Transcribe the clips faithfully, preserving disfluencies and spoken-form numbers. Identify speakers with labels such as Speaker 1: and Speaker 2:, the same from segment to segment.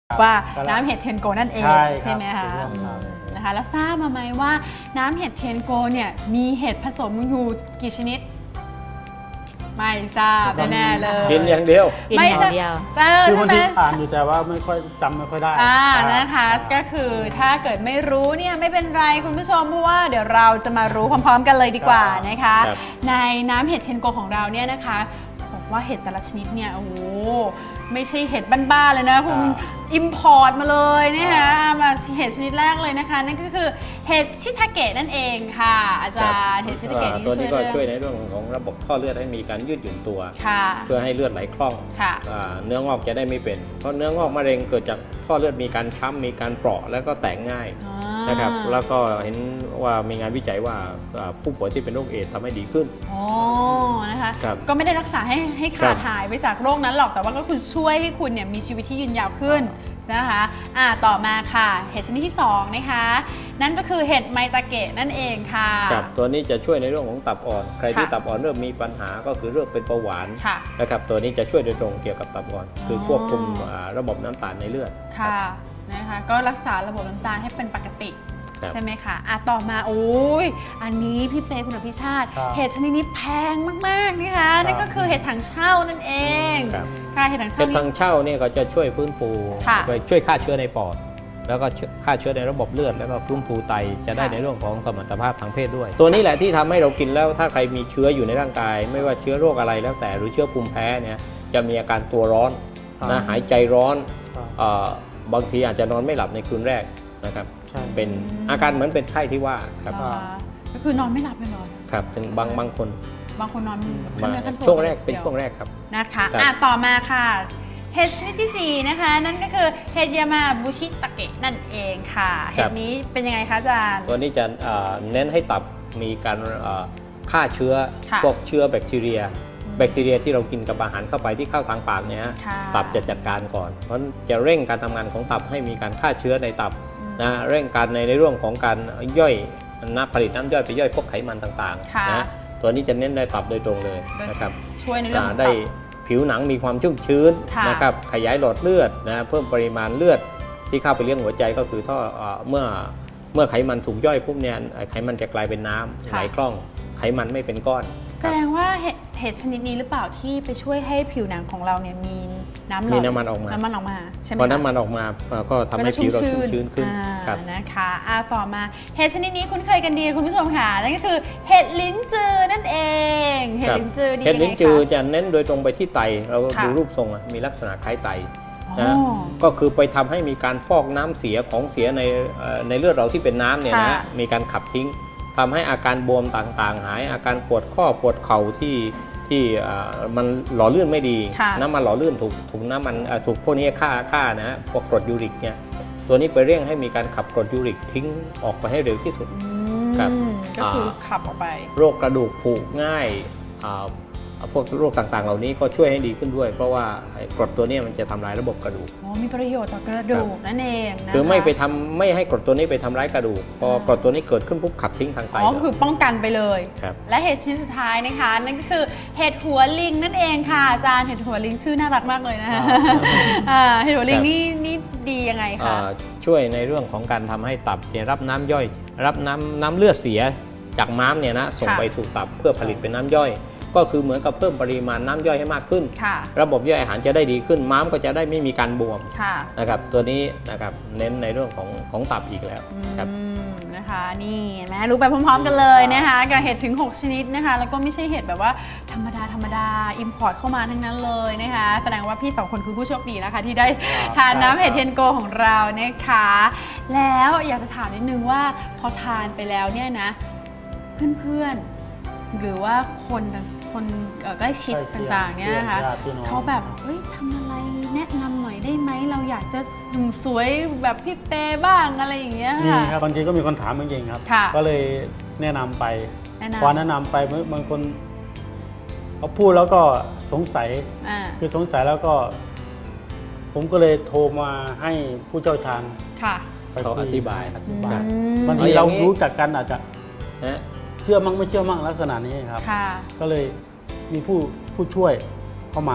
Speaker 1: ว่าน้ำเห็ดเทียนโกนั่นเองใช่ไหมคะนะคะแล้วทราบมาไหมว่าน้ำเห็ดเทียนโกเนี่ยมีเห็ดผสมอยู่กี่ชนิดไม่ทราบแน่ๆเลย
Speaker 2: กินอย่างเดียว
Speaker 1: ไม่
Speaker 3: อย่างเดียว
Speaker 4: คือคนที่อ่านอยู่แต่ว่าไม่ค่อยจำไม่ค่อยได้
Speaker 1: อ่านะคะก็คือถ้าเกิดไม่รู้เนี่ยไม่เป็นไรคุณผู้ชมเพราะว่าเดี๋ยวเราจะมารู้พร้อมๆกันเลยดีกว่านะคะในน้ำเห็ดเทียนโกของเราเนี่ยนะคะบอกว่าเห็ดแต่ละชนิดเนี่ยโอ้โหไม่ใช่เห็ดบ้านๆเลยนะคุณอิมพอร์ตมาเลยนะคะมาเห็ดชนิดแรกเลยนะคะนั่นก็คือเห็ดชิทาเกะนั่นเองค่ะอาจารย์เห็ดชิทาเกะนี่
Speaker 2: ตัวนี้ก็ช่วยในเรื่องของระบบท่อเลือดให้มีการยืดหยุ่นตัวเพื่อให้เลือดไหลคล่องเนื้องอกจะได้ไม่เป็นเพราะเนื้องอกมะเร็งเกิดจากท่อเลือดมีการช้ำมีการเปราะแล้วก็แตกง่ายนะครับแล้วก็เห็นว่ามีงานวิจัยว่าผู้ป่วยที่เป็นโรคเอดส์ทำให้ดีขึ้น
Speaker 1: อ๋อนะคะก็ไม่ได้รักษาให้ให้ขาดหายไปจากโรคนั้นหรอกแต่ว่าก็คือช่วยให้คุณเนี่ยมีชีวิตที่ยืนยาวขึ้นนะคะอ่าต่อมาค่ะเห็ดชนิดที่สองนะคะนั่นก็คือเห็ดไมตาเกะนั่นเองค่ะ
Speaker 2: ครับตัวนี้จะช่วยในเรื่องของตับอ่อนใครที่ตับอ่อนเริ่มมีปัญหาก็คือเรื่องเป็นเบาหวานนะครับตัวนี้จะช่วยโดยตรงเกี่ยวกับตับอ่อนคือควบคุมระบบน้ำตาลในเลือด
Speaker 1: ค่ะนะคะก็รักษาระบบน้ำตาลให้เป็นปกติใช่ไหมคะอ่ะต่อมาโอ้ยอันนี้พี่เปย์คุณอภิชาติเห็ดชนิดนี้แพงมากๆนะคะนั่นก็คือเห็ดถังเช่านั่นเองค่ะเห็ดถังเช่า
Speaker 2: เห็ดถังเช่าเนี่ยก็จะช่วยฟื้นฟูไปช่วยฆ่าเชื้อในปอดแล้วก็ฆ่าเชื้อในระบบเลือดแล้วก็ฟื้นฟูไตจะได้ในเรื่องของสมรรถภาพทางเพศด้วยตัวนี้แหละที่ทำให้เรากินแล้วถ้าใครมีเชื้ออยู่ในร่างกายไม่ว่าเชื้อโรคอะไรแล้วแต่หรือเชื้อภูมิแพ้เนี่ยจะมีอาการตัวร้อนนะหายใจร้อนบางทีอาจจะนอนไม่หลับในคืนแรกนะครับเป็นอาการเหมือนเป็นไข้ที่ว่าครับ
Speaker 1: ก็คือนอนไม่หลับเลยเหรอ
Speaker 2: ครับถึงบางบางคน
Speaker 1: บางคนนอน
Speaker 2: ช่วงแรกเป็นช่วงแรกครับ
Speaker 1: นะคะอ่ะต่อมาค่ะเห็ดชนิดที่สี่นะคะนั่นก็คือเห็ดยามาบุชิตะเกะนั่นเองค่ะเห็ดนี้เป็นยังไงคะอาจารย์
Speaker 2: ตัวนี้จะเน้นให้ตับมีการฆ่าเชื้อพวกเชื้อแบคทีเรียแบคทีเรียที่เรากินกับอาหารเข้าไปที่เข้าทางปากเนี่ยตับจะจัดการก่อนเพราะจะเร่งการทำงานของตับให้มีการฆ่าเชื้อในตับนะเร่งการในในเรื่องของการย่อยน้ำผลิตน้ำย่อยไปย่อยพวกไขมันต่างๆนะตัวนี้จะเน้นในตับโดยตรงเลยนะครับ
Speaker 1: ช่วยในเรื่อง
Speaker 2: ได้ผิวหนังมีความชุ่มชื้นนะครับขยายหลอดเลือดนะเพิ่มปริมาณเลือดที่เข้าไปเลี้ยงหัวใจก็คือท่อเมื่อเมื่อไขมันถูกย่อยปุ๊บเนี่ยไขมันจะกลายเป็นน้ำไหลคล่องไขมันไม่เป็นก้อน
Speaker 1: แสดงว่าเห็ดชนิดนี้หรือเปล่าที่ไปช่วยให้ผิวหนังของเราเนี่ยมีน้ำหล่อ
Speaker 2: มีน้ำมันออกมา
Speaker 1: น้ำมันออกมาใช่ไหม
Speaker 2: พอน้ำมันออกมาก็ทำให้ผิวเราชุ่มชื้นขึ้น
Speaker 1: นะคะอ่าต่อมาเห็ดชนิดนี้คุ้นเคยกันดีคุณผู้ชมค่ะนั่นก็คือเห็ดลิ้นจือนั่นเองเห็ดลิ้นจือดี
Speaker 2: เห็ดลิ้นจือจะเน้นโดยตรงไปที่ไตเราดูรูปทรงมีลักษณะคล้ายไตนะก็คือไปทำให้มีการฟอกน้ำเสียของเสียในในเลือดเราที่เป็นน้ำเนี่ยนะมีการขับทิ้งทำให้อาการบวมต่างๆหายอาการปวดข้อปวดเข่าที่ที่มันหล่อลื่นไม่ดีน้ำมันหล่อลื่นถูกถูกน้ำมันถูกพวกนี้ฆ่าฆ่านะพวกกรดยูริกเนี่ยตัวนี้ไปเร่งให้มีการขับกรดยูริกทิ้งออกไปให้เร็วที่สุด
Speaker 1: ครับก็คือขับออกไป
Speaker 2: โรคกระดูกผุง่ายพวกโรคต่างๆเหล่านี้ก็ช่วยให้ดีขึ้นด้วยเพราะว่ากรดตัวนี้มันจะทำลายระบบกระดูก
Speaker 1: อ๋อมีประโยชน์ต่อกระดูกนั่นเองนะ
Speaker 2: คือไม่ไปทำไม่ให้กรดตัวนี้ไปทำร้ายกระดูกพอกรดตัวนี้เกิดขึ้นปุ๊บขับทิ้งทางไต
Speaker 1: อ๋อคือป้องกันไปเลยและเห็ดชนิดสุดท้ายนะคะนั่นก็คือเห็ดหัวลิงนั่นเองค่ะอาจารย์เห็ดหัวลิงชื่อน่ารักมากเลยนะคะเห็ดหัวลิงนี่นี่ดียังไงคะ
Speaker 2: ช่วยในเรื่องของการทำให้ตับรับน้ำย่อยรับน้ำน้ำเลือดเสียจากม้ามเนี่ยนะส่งไปสู่ตับเพื่อผลิตเป็นน้ำย่อยก็คือเหมือนกับเพิ่มปริมาณน้ำย่อยให้มากขึ้นระบบย่อยอาหารจะได้ดีขึ้นม้ามก็จะได้ไม่มีการบวมนะครับตัวนี้นะครับเน้นในเรื่องของของตับอีกแล้วครับ
Speaker 1: นะคะนี่แม่รู้ไปพร้อมๆกันเลยนะคะกับเห็ดถึงหกชนิดนะคะแล้วก็ไม่ใช่เห็ดแบบว่าธรรมดาธรรมดาอิมพอร์ตเข้ามาทั้งนั้นเลยนะคะแสดงว่าพี่สองคนคือผู้โชคดีนะคะที่ได้ทานน้ำเห็ดเทียนโกของเรานะคะแล้วอยากจะถามนิดนึงว่าพอทานไปแล้วเนี่ยนะเพื่อนๆหรือว่าคนคนใกล้ชิดต่างๆเนี่ยนะคะเขาแบบเฮ้ยทำอะไรแนะนำหน่อยได้ไหมเราอยากจะสวยแบบพี่เปบ้างอะไรอย่างเงี้ย
Speaker 4: ค่ะนี่ครับบางทีก็มีคนถามจริงๆครับก็เลยแนะนำไปพอแนะนำไปบางคนเขาพูดแล้วก็สงสัยคือสงสัยแล้วก็ผมก็เลยโทรมาให้ผู้เชี่ยวชาญ
Speaker 2: เขาอธิบาย
Speaker 4: บางทีเรารู้จักกันอาจจะเชื่อมั่งไม่เชื่อมั่งลักษณะนี้ครับก็เลยมีผู้ผู้ช่วยเข้ามา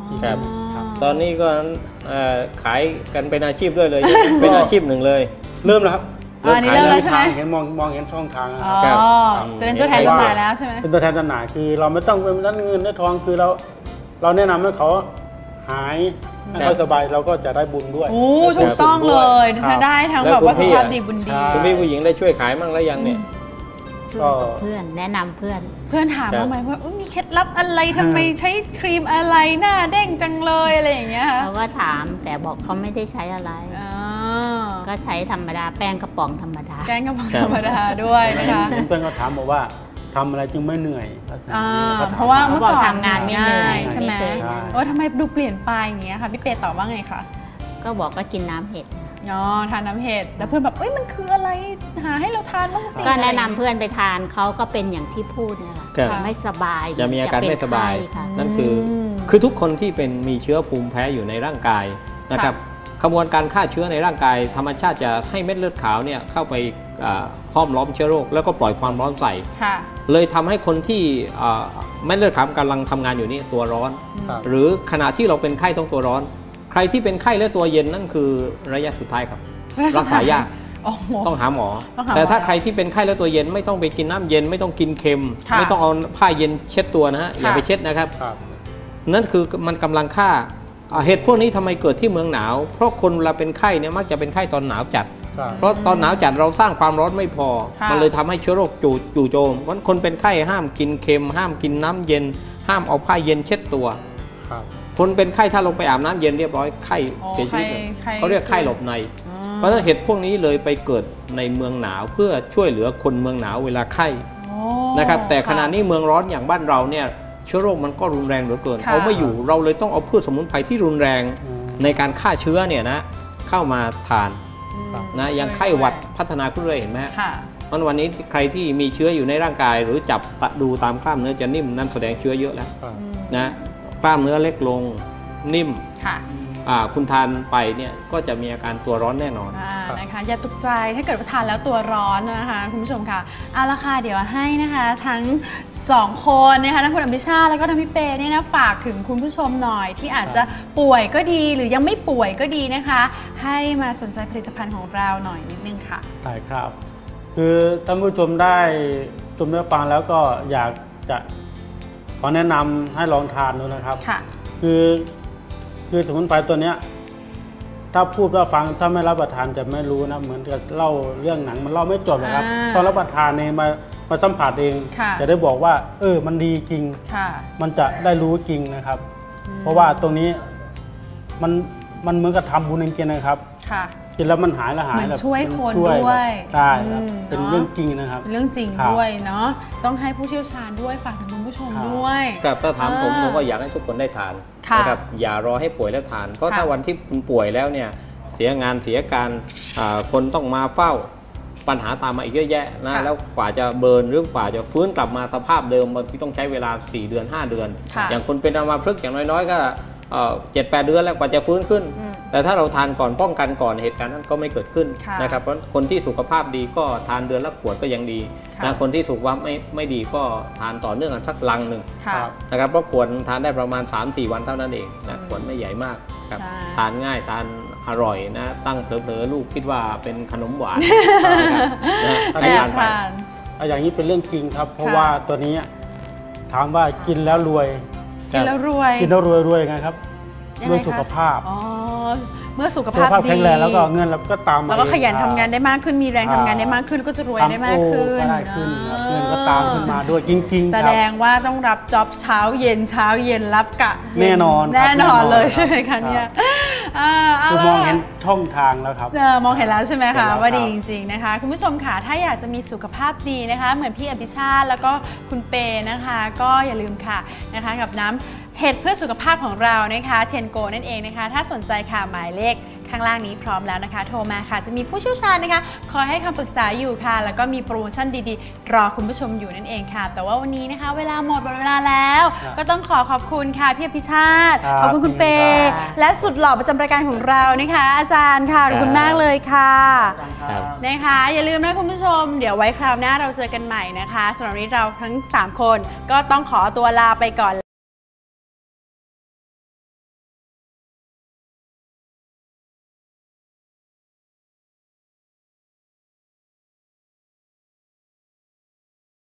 Speaker 2: ครับตอนนี้ก็ขายกันเป็นอาชีพด้วยเลย เป็นอาชีพหนึ่งเลย
Speaker 4: เริ่มแล้วครับ
Speaker 1: อันนี้เริ่มแล้วใช่ไหม
Speaker 4: เห็นมองมองเห็นช่องทาง
Speaker 1: อ๋อจะเป็นตัวแทนจำหน่ายแล้วใช่ไหม
Speaker 4: เป็นตัวแทนจำหน่ายคือเราไม่ต้องเป็นด้านเงินด้านทองคือเราเราแนะนำให้เขาหายให้เขาสบายเราก็จะได้บุญด้วย
Speaker 1: โอ้ถูกต้องเลยถ้าได้ทั้งแบบว่าสุขภาพดีบุญดี
Speaker 2: คุณพี่ผู้หญิงได้ช่วยขายมั่งแล้วยังเนี่ย
Speaker 3: ก็เพื่อนแนะนำเพื่อน
Speaker 1: เพื่อนถามมาไหมว่ามีเคล็ดลับอะไรทำไมใช้ครีมอะไรหน้าเด้งจังเลยอะไรอย่างเงี้ย
Speaker 3: เขาก็ถามแต่บอกเขาไม่ได้ใช้อะไรก็ใช้ธรรมดาแป้งกระป๋องธรรมดา
Speaker 1: แป้งกระป๋องธรรมดาด้วยนะคะ
Speaker 4: เพื่อนก็ถามบอกว่าทำอะไรจึงไม่เหนื่อย
Speaker 1: เพราะว่าเมื่อก่อน
Speaker 3: ทำงานไม่เหนื่อย
Speaker 1: ใช่ไหมว่าทำไมดูเปลี่ยนไปอย่างเงี้ยค่ะพี่เปตอบว่าไงคะ
Speaker 3: ก็บอกก็กินน้ำเห็ด
Speaker 1: อ๋อทานน้ำเห็ดแล้วเพื่อนแบบเอ้ยมันคืออะไรหาให้เราทานบ้างสิ
Speaker 3: ก็แนะนำเพื่อนไปทานเขาก็เป็นอย่างที่พูดเนี่ยแหละไม่สบาย
Speaker 2: จะมีอาการไม่สบายนั่นคือคือทุกคนที่เป็นมีเชื้อภูมิแพ้อยู่ในร่างกายนะครับขบวนการฆ่าเชื้อในร่างกายธรรมชาติจะให้เม็ดเลือดขาวเนี่ยเข้าไปห้อมล้อมเชื้อโรคแล้วก็ปล่อยความร้อนใส่เลยทำให้คนที่เม็ดเลือดขาวกำลังทำงานอยู่นี่ตัวร้อนหรือขณะที่เราเป็นไข้ต้องตัวร้อนใครที่เป็นไข้และตัวเย็นนั่นคือระยะสุดท้ายครับรักษายากต้องหาหมอแต่ถ้าใครที่เป็นไข้และตัวเย็นไม่ต้องไปกินน้ำเย็นไม่ต้องกินเค็มไม่ต้องเอาผ้าเย็นเช็ดตัวนะฮะอย่าไปเช็ดนะครับนั่นคือมันกำลังฆ่าเหตุพวกนี้ทำไมเกิดที่เมืองหนาวเพราะคนเวลาเป็นไข้เนี่ยมักจะเป็นไข้ตอนหนาวจัดเพราะตอนหนาวจัดเราสร้างความร้อนไม่พอมันเลยทำให้เชื้อโรคจู่จู่โจมเพราะคนเป็นไข้ห้ามกินเค็มห้ามกินน้ำเย็นห้ามเอาผ้าเย็นเช็ดตัวคนเป็นไข้ถ้าลงไปอาบน้ำเย็นเรียบร้อยไข้เสียชีวิตเขาเรียกไข้หลบในเพราะฉะนั้นเหตุพวกนี้เลยไปเกิดในเมืองหนาวเพื่อช่วยเหลือคนเมืองหนาวเวลาไข้นะครับแต่ขณะนี้เมืองร้อนอย่างบ้านเราเนี่ยเชื้อโรคมันก็รุนแรงเหลือเกินเอาไม่อยู่เราเลยต้องเอาพืชสมุนไพรที่รุนแรงในการฆ่าเชื้อเนี่ยนะเข้ามาทานนะอย่างไข้หวัดพัฒนาขึ้นเรื่อยเห็นไหมเพราะวันนี้ใครที่มีเชื้ออยู่ในร่างกายหรือจับดูตามกล้ามเนื้อจะนิ่มนั่นแสดงเชื้อเยอะแล้วนะกล้ามเนื้อเล็กลงนิ่มคุณทานไปเนี่ยก็จะมีอาการตัวร้อนแน่นอน
Speaker 1: นะคะอย่าตกใจถ้าเกิดว่าทานแล้วตัวร้อนนะคะคุณผู้ชมค่ะเอาละค่ะเดี๋ยวให้นะคะทั้งสองคนนะคะทั้งคุณอภิชาติแล้วก็ทั้งพี่เปเนี่ยนะฝากถึงคุณผู้ชมหน่อยที่อาจจะป่วยก็ดีหรือยังไม่ป่วยก็ดีนะคะให้มาสนใจผลิตภัณฑ์ของเราหน่อยนิดนึงค่ะ
Speaker 4: ใช่ครับคือท่านผู้ชมได้ชมได้ฟังแล้วก็อยากจะขอแนะนำให้ลองทานดูนะครับค่ะคือคือสมุนไพรตัวเนี้ยถ้าพูดว่าฟังถ้าไม่รับประทานจะไม่รู้นะเหมือนกับเล่าเรื่องหนังมันเล่าไม่จบนะครับตอนรับประทานเองมามาสัมผัสเองจะได้บอกว่าเออมันดีจริงมันจะได้รู้จริงนะครับเพราะว่าตรงนี้มันมันเหมือนกับทำบุญจริงๆนะครับกินแล้วมันหายแล้วหาย
Speaker 1: แบบช่วยคนด้วย
Speaker 4: ใช่ครับเป็นเรื่องจริงนะครับ
Speaker 1: เรื่องจริงด้วยเนาะต้องให้ผู้เชี่ยวชาญด้วยฝากถึงคุณผู้ชมด้วย
Speaker 2: ครับถ้าถามผมผมก็อยากให้ทุกคนได้ทานนะครับอย่ารอให้ป่วยแล้วทานเพราะถ้าวันที่คุณป่วยแล้วเนี่ยเสียงานเสียการคนต้องมาเฝ้าปัญหาตามมาอีกเยอะแยะนะแล้วกว่าจะเบิร์นหรือกว่าจะฟื้นกลับมาสภาพเดิมบางทีต้องใช้เวลาสี่เดือนห้าเดือนอย่างคนเป็นอัมพฤกษ์อย่างน้อยๆก็เจ็ดแปดเดือนแล้วกว่าจะฟื้นขึ้นแต่ถ้าเราทานก่อนป้องกันก่อนเหตุการณ์นั้นก็ไม่เกิดขึ้นนะครับเพราะคนที่สุขภาพดีก็ทานเดือนละขวดก็ยังดีนะคนที่สุขภาพไม่ไม่ดีก็ทานต่อเนื่องกันสักลังหนึ่งนะครับเพราะขวดทานได้ประมาณ สามสี่ วันเท่านั้นเองนะขวดไม่ใหญ่มากครับทานง่ายทานอร่อยนะตั้งเผลอๆลูกคิดว่าเป็นขนมหวาน
Speaker 4: ให้ทานไปอย่างนี้เป็นเรื่องจริงครับเพราะว่าตัวนี้ถามว่ากินแล้วรวย
Speaker 1: กินแล้วรวย
Speaker 4: กินแล้วรวยรวยไงครับด้วยสุขภาพ
Speaker 1: อ๋อเมื่อสุขภาพดี
Speaker 4: แข็งแรงแล้วก็เงินเราก็ตามมา
Speaker 1: แล้วก็ขยันทำงานได้มากขึ้นมีแรงทำงานได้มากขึ้นก็จะรวยได้มากขึ้น
Speaker 4: ได้ขึ้นเงินก็ตามขึ้นมาด้วยจริงๆ
Speaker 1: แสดงว่าต้องรับจ็อบเช้าเย็นเช้าเย็นรับกะ
Speaker 4: แน่นอน
Speaker 1: แน่นอนเลยใช่ไหมคะเนี่ย
Speaker 4: คือมองเห็นช่องทางแล้วครับ
Speaker 1: มองเห็นแล้วใช่ไหมคะว่าดีจริงๆนะคะคุณผู้ชมค่ะถ้าอยากจะมีสุขภาพดีนะคะเหมือนพี่อภิชาติแล้วก็คุณเปนะคะก็อย่าลืมค่ะนะคะกับน้ำเห็ดเพื่อสุขภาพของเรานะคะเทนโกนั่นเองนะคะถ้าสนใจค่ะหมายเลขข้างล่างนี้พร้อมแล้วนะคะโทรมาค่ะจะมีผู้เชี่ยวชาญนะคะคอยให้คำปรึกษาอยู่ค่ะแล้วก็มีโปรโมชั่นดีๆรอคุณผู้ชมอยู่นั่นเองค่ะแต่ว่าวันนี้นะคะเวลาหมดหมดเวลาแล้วก็ต้องขอขอบคุณค่ะพี่อภิชาติขอบคุณคุณเปและสุดหล่อประจำรายการของเรานะคะอาจารย์ค่ะขอบคุณมากเลยค่ะนะคะอย่าลืมนะคุณผู้ชมเดี๋ยวไว้คราวหน้าเราเจอกันใหม่นะคะสำหรับวันนี้เราทั้งสามคนก็ต้องขอตัวลาไปก่อน